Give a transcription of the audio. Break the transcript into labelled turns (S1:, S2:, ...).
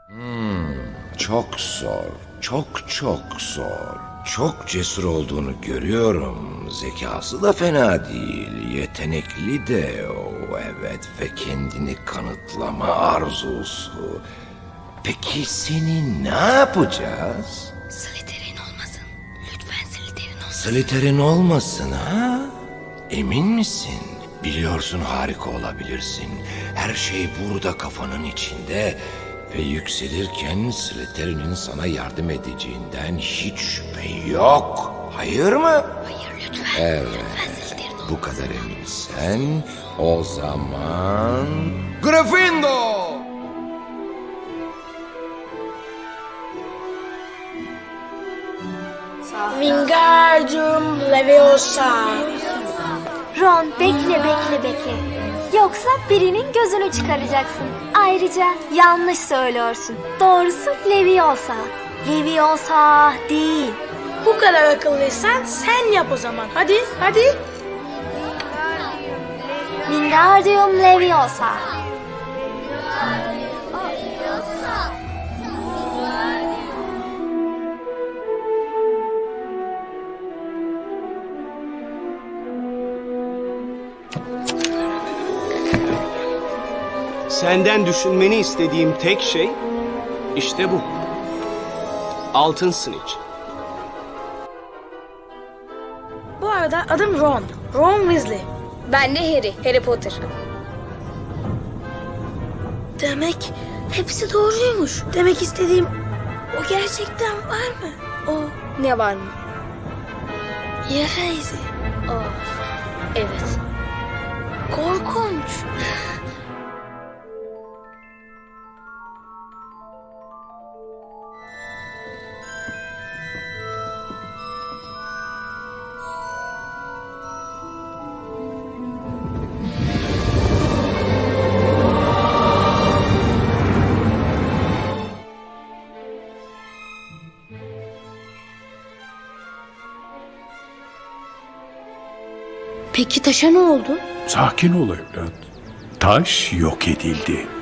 S1: Çok zor, çok zor. Çok cesur olduğunu görüyorum. Zekası da fena değil, yetenekli de o, evet, ve kendini kanıtlama arzusu. Peki seni ne yapacağız?
S2: Slytherin olmasın. Lütfen Slytherin olmasın.
S1: Slytherin olmasın ha? Emin misin? Biliyorsun harika olabilirsin. Her şey burada kafanın içinde. Ve yükselirken Slytherin'in sana yardım edeceğinden hiç şüphe yok. Hayır mı?
S2: Hayır lütfen.
S1: Evet.
S2: Lütfen Slytherin olmasın.
S1: Bu kadar eminsen o zaman... Gryffindor!
S3: Wingardium Leviosa.
S4: Ron bekle. Yoksa birinin gözünü çıkaracaksın. Ayrıca yanlış söylüyorsun. Doğrusu Leviosa. Leviosa değil.
S3: Bu kadar akıllıysan sen yap o zaman. Hadi.
S4: Wingardium Leviosa.
S5: Senden düşünmeni istediğim tek şey işte bu. Altın Snitch.
S3: Bu arada adım Ron. Ron Weasley.
S2: Ben de Harry Potter.
S3: Demek hepsi doğruymuş. Demek istediğim o gerçekten var mı? O
S2: Ne var mı?
S3: yara izi.
S2: Evet.
S3: Korkunç.
S2: Peki taşa ne oldu?
S6: Sakin ol evlat. Taş yok edildi.